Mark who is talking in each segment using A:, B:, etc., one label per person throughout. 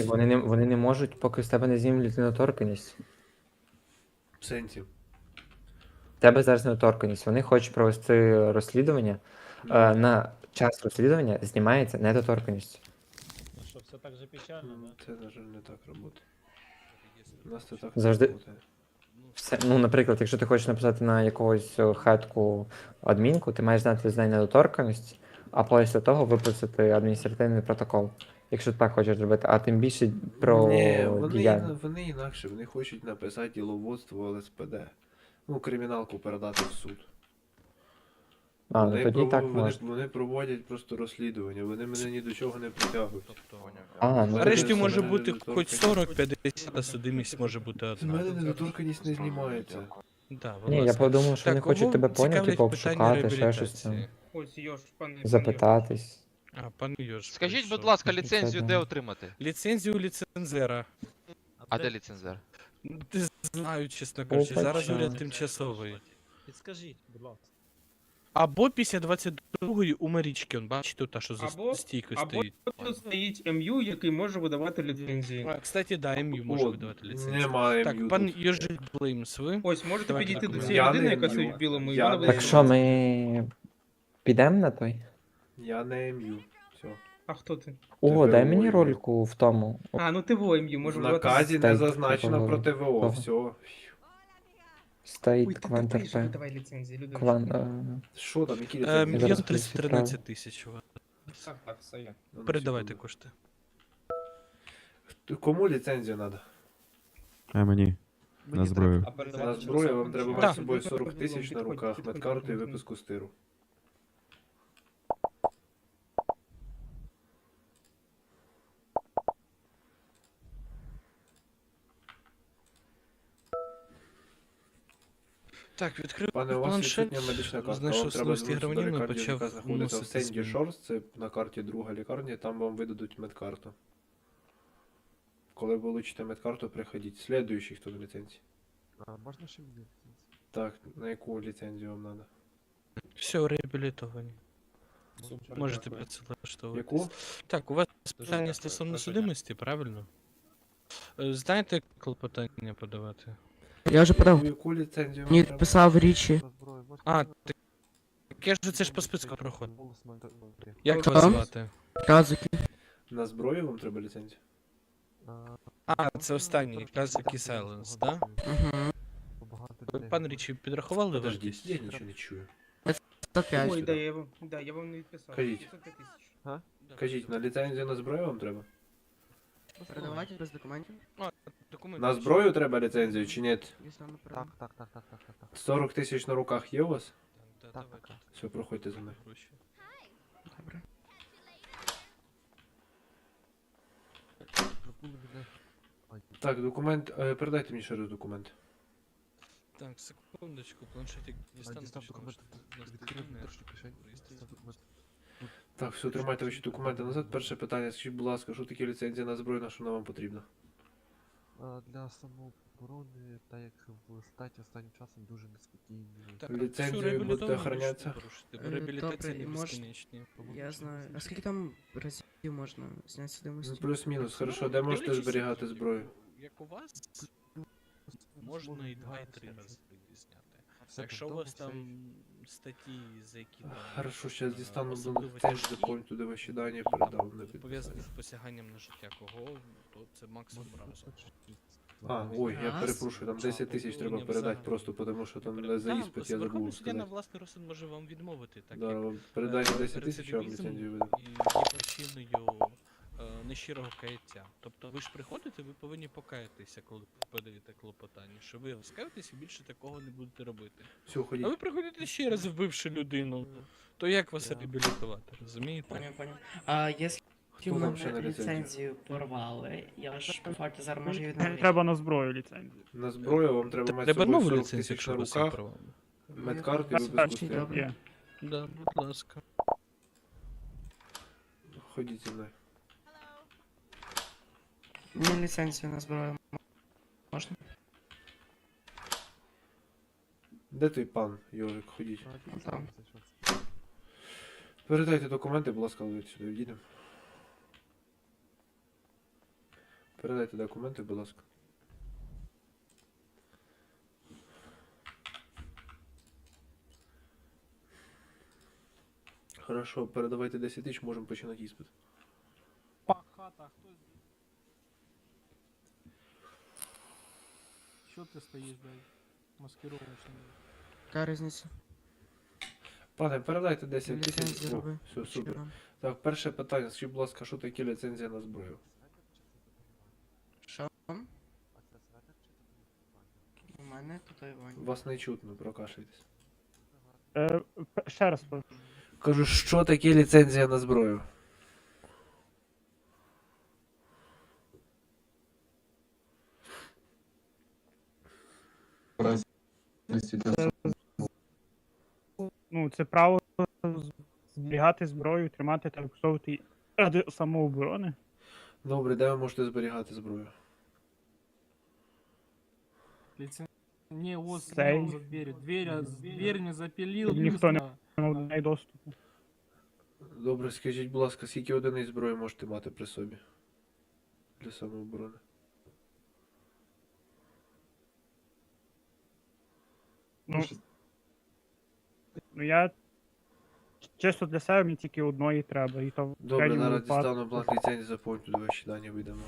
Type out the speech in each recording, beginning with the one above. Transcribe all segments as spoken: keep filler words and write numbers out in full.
A: Вони не, вони не можуть, поки з тебе не знімуть недоторканність.
B: В сенсі.
A: В тебе зараз недоторканність. Вони хочуть провести розслідування.
B: Ну,
A: Е, на час розслідування знімається недоторканність.
C: Ну що, все так же печально,
B: м,
C: да?
B: це, на жаль, не так працює. У нас це так
A: Завжди-
B: не працює.
A: Все, ну, наприклад, якщо ти хочеш написати на якогось е, хатку адмінку, ти маєш знати з нею недоторканність, а після того виписати адміністративний протокол. Якщо ти так хочеш зробити, а тим більше про
B: Ні, вони,
A: діяння.
B: іна- вони інакше, вони хочуть написати діловодство Л С П Д. Ну, криміналку передати в суд.
A: А, ну
B: вони,
A: тоді
B: прово-
A: так
B: вони,
A: можна.
B: вони проводять просто розслідування, вони мене ні до чого не притягують.
C: Тобто,
A: А, ну
D: Нарешті
B: Мене-
D: може
B: мене
D: бути
B: недоторканність-
D: хоч сорок п'ятдесят, а судимість може бути
B: З мене
D: одна.
B: недоторканність не знімається.
D: Да, будь
A: Ні, я
D: ласка.
A: подумав, що вони
D: Так, кого
A: хочуть тебе поняти,
D: цікавлять
A: типу,
D: питання
A: обшукати, ще щось там,
D: реабілітації?
E: Ось Йош, пане. пане
A: запитатись.
D: А, пан Йош.
F: Скажіть,
D: прийшов.
F: будь ласка,
A: Це
F: ліцензію
A: да.
F: де отримати?
D: Ліцензію ліцензера.
F: А де ліцензер?
D: Не знаю, чесно кажучи, зараз
A: Опача.
D: уряд тимчасовий.
C: Підскажіть, будь ласка.
D: Або після двадцять другої у Марічки, он бачите, та, що за
E: Або-
D: стійкою
E: або
D: стоїть.
E: тут стоїть М Ю, який може видавати ліцензії.
D: А, кстати, да, ем ю може
B: О,
D: видавати ліцензію.
B: Немає
D: Так,
B: М Ю
D: пан
B: тут.
D: Йожик Блеймс, ви?
E: Ось, можете
D: Давайте
E: підійти
D: так,
E: до
D: ну,
E: цієї
B: я
E: людини,
B: не
E: яка
B: М Ю.
E: стоїть в білому, і
B: Я
E: вона
B: не
E: буде.
A: Так що, ми підемо на той?
B: Я не М Ю. Все.
E: А хто ти?
A: О, дай
B: ТВО
A: мені
B: є.
A: рольку в тому.
E: А, ну ти в М Ю,
B: В
E: може видавати.
B: наказі не
A: Стейк
B: зазначено
A: такого.
B: про Т В О.
A: Того.
B: Все.
E: Ой,
A: Стоїть
E: ти
A: квант
E: тупий, що
A: РП.
E: видавай ліцензії, люди.
A: Кван... е,
B: Що там, які
D: Е,
B: ліцензії?
D: Мільйон
A: Зараз
D: триста тринадцять тисяч. у вас.
E: Так, так, все є.
B: Ну,
D: Передавайте
B: секунду.
D: кошти.
B: Кому ліцензію треба?
G: А мені. На зброю.
E: А передавати
B: На
E: через
B: зброю
E: сам
B: вам треба
E: ключ?
B: мати
D: Да.
B: з собою сорок
E: Підходь,
B: тисяч на
E: підходь,
B: руках,
E: підходь,
B: медкарту і
E: підходь.
B: виписку з тиру.
D: Так, відкрив
B: Пане, у вас
D: планшет,
B: відсутня медична картка.
D: знайшов
B: Вам треба
D: слизькі
B: звернутися до
D: гравнів і
B: лікарні, яка
D: почав
B: знаходиться в
D: вносити
B: Сенді
D: зміни.
B: Шорс, це на карті друга лікарня, там вам видадуть медкарту. Коли ви получите медкарту, приходіть. Слідуючий, хто до ліцензії.
G: А можна ще мені?
B: Так, на яку ліцензію вам треба?
D: Все, реабілітовані.
E: Супер,
D: Можете
E: дякую.
D: працевлаштовувати.
B: Яку?
D: Так, у вас
C: Дуже
D: питання
C: дякую,
D: стосовно
C: дуже
D: судимості, правильно? Е, Знаєте, як клопотання подавати?
H: Я вже подав.
B: Яку ліцензію вам
H: Мені
B: треба?
H: писав Річі.
G: На зброю можна?
D: А, так я ж це ж по списку проходить.
G: Голос має-
D: Як
H: Що?
D: вас звати?
H: Казуки.
B: На зброю вам треба ліцензію?
G: А,
D: А, це останній, Казакі Сайленс, да?
H: Угу.
G: Багато
D: Ви,
G: людей.
D: Пан Річі, підрахували
B: Подождіть,
D: вартість?
B: я нічого не чую.
H: сто п'ять.
E: Ой, да, я вам, да, я вам не відписав.
B: Кажіть.
E: п'ятсот п'ять тисяч.
B: Кажіть, на ліцензію на зброю вам треба?
H: Передавайте без документів.
D: Документи.
B: На зброю треба ліцензію чи ні?
H: Дійсно, не
G: Так,
H: передам.
G: так, так, так, так, так, так.
B: сорок тисяч на руках є у вас?
D: Да,
G: Так,
D: давайте.
G: так.
B: Все, проходьте за мною.
D: Гроші.
H: Добре.
G: Забули мене. Ой,
B: Так, документ, е, передайте мені ще раз документ.
D: Так, секундочку, планшетик
G: а,
D: дістану.
G: дістав
D: точно,
G: документ.
D: що у нас
G: Відкрив
D: такі
G: внутрішню кишень.
D: реєстрації.
G: Дістав документ.
B: Так, все, тримайте ваші документи назад. Перше питання, скажіть, будь ласка, що таке ліцензія на зброю, на що вона вам потрібна?
G: А, Для самооборони, так як в штаті останнім часом дуже неспокійні.
D: Так,
B: Ліцензію
D: всю
B: будете
D: реабілітовану
B: охоронятися?
D: можете порушити, бо
H: Е,
D: реабілітація
H: добре,
D: не
H: і мож-
D: безкінечні.
H: Я знаю. А скільки там разів можна зняти
B: Ну,
H: судимості?
B: плюс-мінус, хорошо, де можете
D: Дивлячись,
B: зберігати
D: як-
B: зброю?
D: Як у вас, можна і два, і три рази зняти. Якщо у вас там статті, за які там
B: Хорошо, зараз
D: е,
B: дістану
D: особливо
B: теж
D: тяжкі,
B: закон туди ваші дані, передав на
D: пов'язані
B: підписання.
D: з посяганням на життя кого, то це максимум разу.
B: А, ой, я
H: Раз.
B: перепрошую, там десять тисяч треба
D: Ні,
B: передати
D: взагалі.
B: просто, тому що там
D: Перед-
B: за
D: Да,
B: іспит я
D: Верховний
B: забув
D: суддя на
B: сказати.
D: власний розсуд може вам відмовити, так
B: Да,
D: як
B: вам
D: е,
B: передайте десять тисяч, я вам
D: рецидивізм
B: ліцензію видам.
D: і є причиною е, нещирого каяття. Тобто ви ж приходите, ви повинні покаятися, коли подаєте клопотання, що ви розкаєтесь і більше такого не будете робити.
B: Все,
D: А
B: ходіть.
D: ви приходите ще раз, вбивши людину, то як вас реабілітувати, розумієте?
I: Понял, понял. А якщо
B: Хто
I: в
B: вам ще на
I: мене
B: ліцензію?
I: ліцензію порвали, я ж по факту зараз можу її відновити.
C: Треба на зброю ліцензію.
B: На зброю вам треба мати з
D: Треба
B: собою
D: нову
B: сорок
D: ліцензію,
B: тисяч
D: якщо
B: на
D: у вас є
B: руках,
D: права.
B: медкарту і виписку з
H: Бачите,
B: тиру.
H: добре.
C: Є.
D: Да, будь ласка.
B: Ходіть зі мною.
I: Мені ліцензію на зброю можна?
B: Де той пан, Йожик, ходіть.
I: Там.
B: Передайте документи, будь ласка, ви сюди їдемо. Передайте документи, будь ласка. Хорошо, передавайте десять тисяч, можемо починати іспит.
E: Пахата, хто здесь? Що ти стоїш, блядь? Маскировочний.
H: Яка різниця?
B: Пане, передайте десять тисяч.
H: Ліцензію
B: О,
H: роби.
B: все, супер.
H: Що?
B: Так, перше питання. Скажіть, будь ласка, що таке ліцензія на зброю?
H: Що?
G: А це светер чи татуювання?
H: У мене татуювання.
B: Вас не чутно, прокашляйтесь.
C: Е, п- ще раз прошу.
B: Кажу, що таке ліцензія на зброю?
C: Ну, це право з- зберігати зброю, тримати та використовувати її ради самооборони.
B: Добре, де ви можете зберігати зброю?
E: Лицен... Не, вот
C: Сей.
E: за дверью. Дверь, дверь не запилил.
C: Ніхто не
E: быстро.
C: має доступу.
B: Добре, скажіть, будь ласка, скільки одиниць зброї можете мати при собі? Для самооборони.
C: Ну, ну я чисто для себе мені тільки одної треба, і то в
B: Добре,
C: крайньому
B: зараз
C: випадку.
B: дістану бланк ліцензії, заповню туди ваші дані видамо.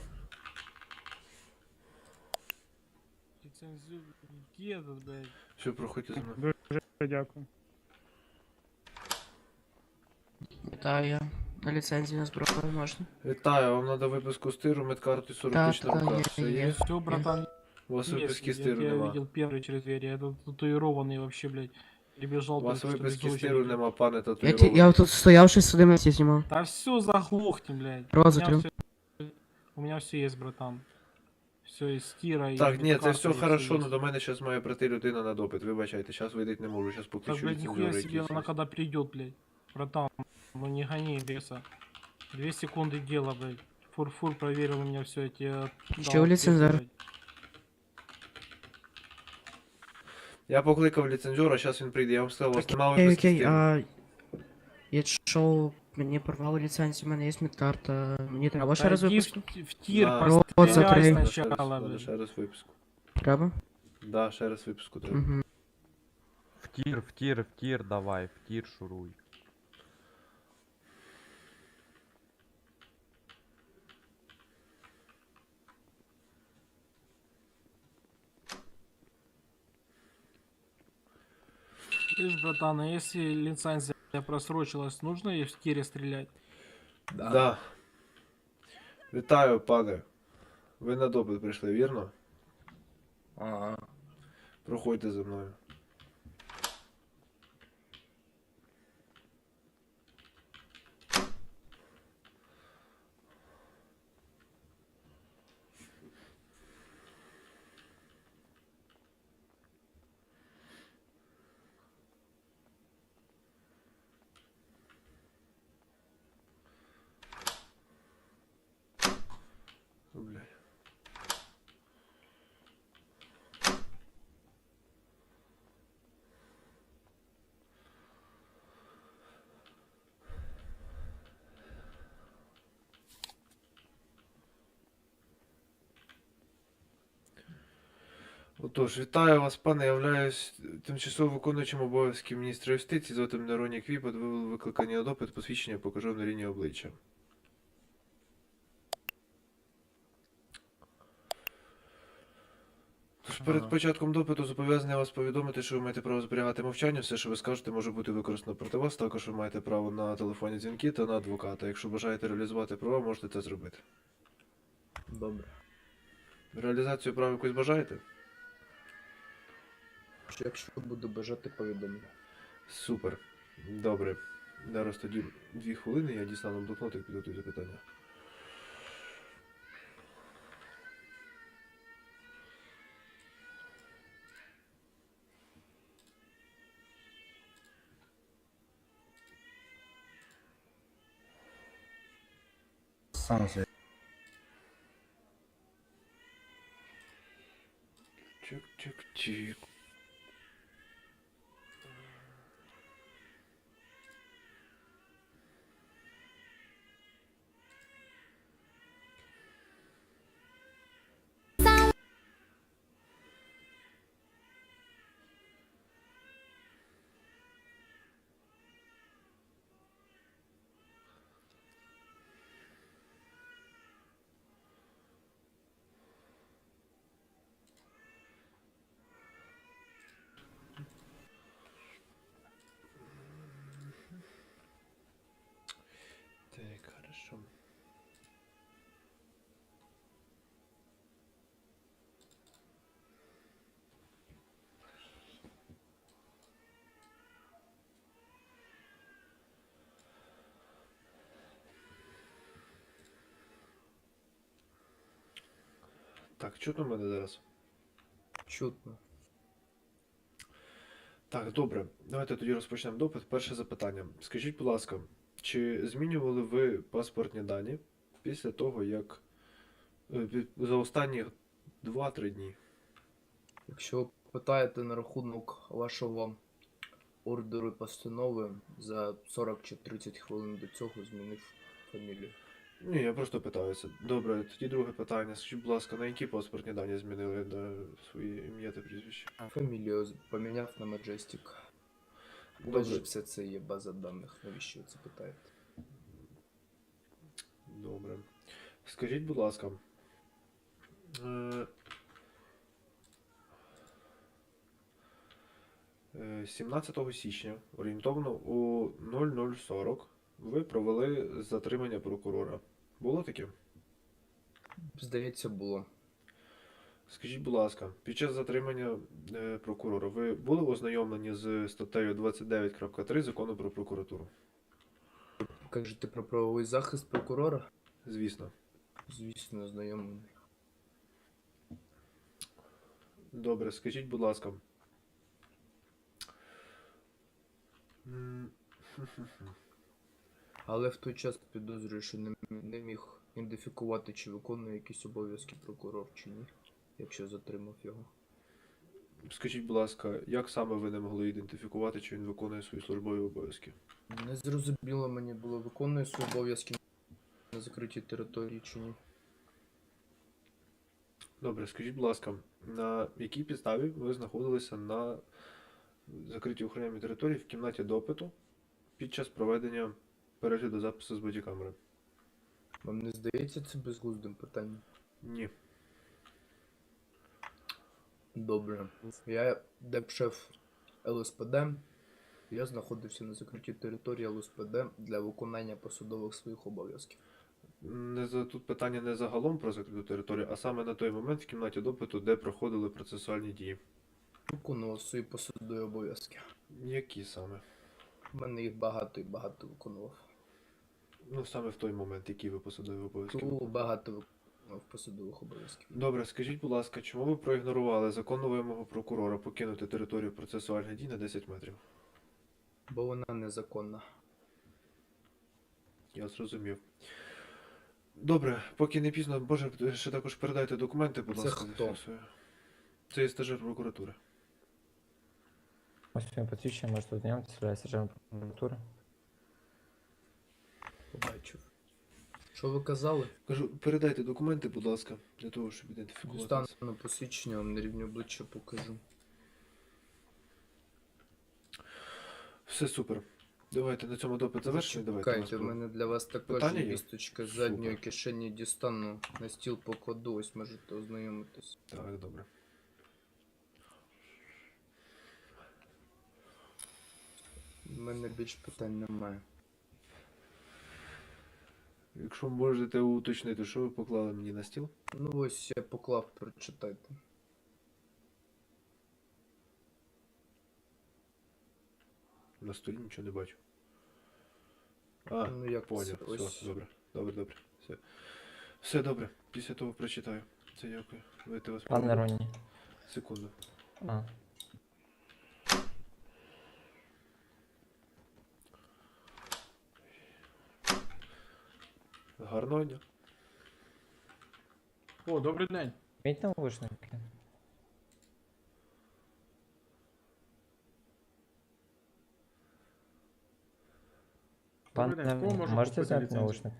E: Лицензию. Где этот, блядь?
B: Все, проходьте за мною.
C: Дуже дякую.
H: Вітаю. На ліцензію на зброю можна?
B: Вітаю, вам треба виписку стиру, медкарту і сорок
H: Так,
B: тисяч на
H: так,
B: руках.
H: є,
B: Все
H: є.
B: є?
E: Все, братан,
B: У вас
E: есть.
B: виписки
E: Я
B: стиру
E: тебя
B: нема.
E: видел первый через дверь. Я этот татуированный вообще, блядь. Прибежал
B: У вас
E: только что без
B: виписки стиру
E: очереди.
B: нема, пане
H: Я, ті-
B: татуїрований.
H: я тут стояв, щось сюди мене знімав.
E: Да все, заглохни, блядь.
H: Рот
E: У меня
H: закрыл.
E: всё- У меня все есть, братан. Все есть стира и
B: Так, ні, це
E: медкарта,
B: все
E: и
B: хорошо,
E: есть.
B: але до мене зараз має прийти людина на допит. Вибачайте, зараз вийти не можу, зараз
E: Так,
B: покличу
E: блядь, нихуя
B: ліцензіора
E: себе, она
B: якийсь.
E: когда придет, блядь. Братан, ну не гони беса. Две секунды дела, блядь. Фур-фур проверил у меня все эти... э,
H: Чё,
E: дал
H: лицензор?
E: ответы, блядь.
B: Я покликав ліцензіора, зараз він прийде, я вам сказав, у вас немає
H: Окей,
B: виписки
H: окей,
B: стиру.
H: а... Якщо мені порвали ліцензію, у мене є медкарта, мені треба ще раз
E: Да иди
H: виписку?
E: в, в тир,
B: Да.
H: Рот
E: постреляй
H: закрой.
B: Надо ще раз,
E: сначала,
B: надо
E: блядь.
B: ще раз виписку.
H: Треба?
B: Да, ще раз виписку треба.
H: Угу.
G: В тір, в тір, в тір давай, в тір шуруй.
E: Видишь, братан, а если лицензия просрочилась, нужно ей в тире стрелять?
B: Да. Вітаю, пане. Ви на допит прийшли, вірно?
J: Ага.
B: Проходьте за мною. Блядь. Отож, вітаю вас, пане. Являюсь тимчасово виконуючим обов'язки міністра юстиції. Звати мене Ронік Віпот. Ви були викликані на допит, посвідчення покажу на лінії обличчя. Тож перед
J: Ага.
B: початком допиту зобов'язаний вас повідомити, що ви маєте право зберігати мовчання. Все, що ви скажете, може бути використано проти вас. Також ви маєте право на телефонні дзвінки та на адвоката. Якщо бажаєте реалізувати права, можете це зробити.
J: Добре.
B: Реалізацію прав якось бажаєте?
J: Що якщо буду бажати, повідомлю.
B: Супер. Добре. Зараз тоді дві хвилини, я дістану блокнотик, підготую запитання.
J: Сам зі.
B: Чик-чик-чик. Так, чутно мене зараз?
J: Чутно.
B: Так, добре. Давайте тоді розпочнемо допит. Перше запитання. Скажіть, будь ласка, чи змінювали ви паспортні дані після того, як е, пі- за останні два-три дні?
J: Якщо ви питаєте на рахунок вашого ордеру і постанови, за сорок чи тридцять хвилин до цього змінив фамілію.
B: Ні, я просто питаюся. Добре, тоді друге питання. Скажіть, будь ласка, на які паспортні дані змінили на свої ім'я та прізвище?
J: Фамілію з- поміняв на Majestic. У вас же все це є база даних. Навіщо ви це питаєте?
B: Добре. Скажіть, будь ласка. е, е, сімнадцятого січня, орієнтовно у нуль нуль сорок, ви провели затримання прокурора. Було таке?
J: Здається, було.
B: Скажіть, будь ласка, під час затримання е, прокурора ви були ознайомлені з статтею двадцять дев'ять крапка три Закону про прокуратуру?
J: Кажете про правовий захист прокурора?
B: Звісно.
J: Звісно, знайомий.
B: Добре, скажіть, будь ласка. М,
J: Але в той час підозрюю, що не, не міг ідентифікувати, чи виконує якісь обов'язки прокурор, чи ні, якщо затримав його.
B: Скажіть, будь ласка, як саме ви не могли ідентифікувати, чи він виконує свої службові обов'язки?
J: Не зрозуміло мені було, виконує свої обов'язки на закритій території, чи ні.
B: Добре, скажіть, будь ласка, на якій підставі ви знаходилися на закритій охоронній території в кімнаті допиту під час проведення перегляду запису з бодікамери?
J: Вам не здається це безглуздим питанням?
B: Ні.
J: Добре. Я деп-шеф Л С П Д. Я знаходився на закритій території Л С П Д для виконання посадових своїх обов'язків.
B: Не за тут питання не загалом про закриту територію, а саме на той момент в кімнаті допиту, де проходили процесуальні дії.
J: Виконував свої посадові обов'язки.
B: Які саме?
J: У мене їх багато і багато виконував.
B: Ну, саме в той момент, які ви посадові обов'язки.
J: Ту багато виконував посадових обов'язків.
B: Добре, скажіть, будь ласка, чому ви проігнорували законну вимогу прокурора покинути територію процесуальних дій на десять метрів?
J: Бо вона незаконна.
B: Я зрозумів. Добре, поки не пізно, боже, ще також передайте документи, будь
J: Це
B: ласка.
J: хто?
B: зафіксую. Це є стажер прокуратури.
A: Ось він посвідчення, можете ознайомитися, я сержант прокуратури.
J: Побачив. Що ви казали?
B: Кажу, передайте документи, будь ласка, для того, щоб ідентифікувати.
J: Дістану
B: це.
J: на посвідчення, вам на рівні обличчя покажу.
B: Все супер. Давайте на цьому допит завершимо. Давайте.
J: Чекайте, в мене для вас також
B: Питання
J: є
B: є?
J: вісточка з задньої
B: Супер.
J: кишені дістану, на стіл покладу, ось можете ознайомитись.
B: Так, добре.
J: У мене більш питань немає.
B: Якщо можете уточнити, що ви поклали мені на стіл?
J: Ну ось я поклав, прочитайте.
B: На столі нічого не бачу. А,
J: Ну як
B: поняв.
J: це?
B: Все,
J: Ось.
B: добре. Добре, добре. Все. Все добре. Після того прочитаю. Це дякую. Вийти вас
A: Пане
B: проведу.
A: Роні.
B: Секунду.
A: А.
B: Гарного дня.
E: О, добрий день.
A: Міть навушники.
E: Добрий день.
A: Пане,
E: Кого можу
A: можете
E: купити
A: зняти
E: ліцензію?
A: навушник?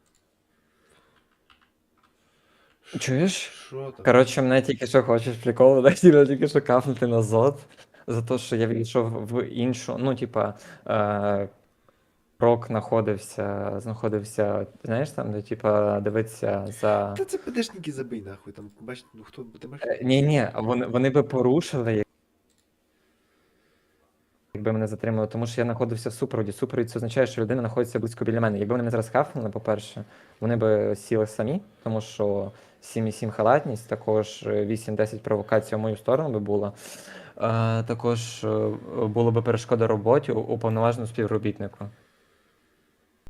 A: Чуєш?
B: Що там?
A: Коротше, мене тільки що хочеш прикол, хотіли тільки що кафнути на зод, за те, що я відійшов в іншу, ну, типа, е, прок знаходився, знаходився, знаєш, там, де, типа, дивиться за...
B: Та це ПДшники забий нахуй. Там, бачите, ну хто ти бачиш?
A: Е, Ні-ні, вони, вони би порушили, якби мене затримали, тому що я знаходився в супроводі. Супровід це означає, що людина знаходиться близько біля мене. Якби вони мене зараз хафнули, по-перше, вони би сіли самі, тому що сім і сім халатність, також вісім-десять провокацій в мою сторону би було. Е, також е, було би перешкода роботі у- уповноваженому співробітнику.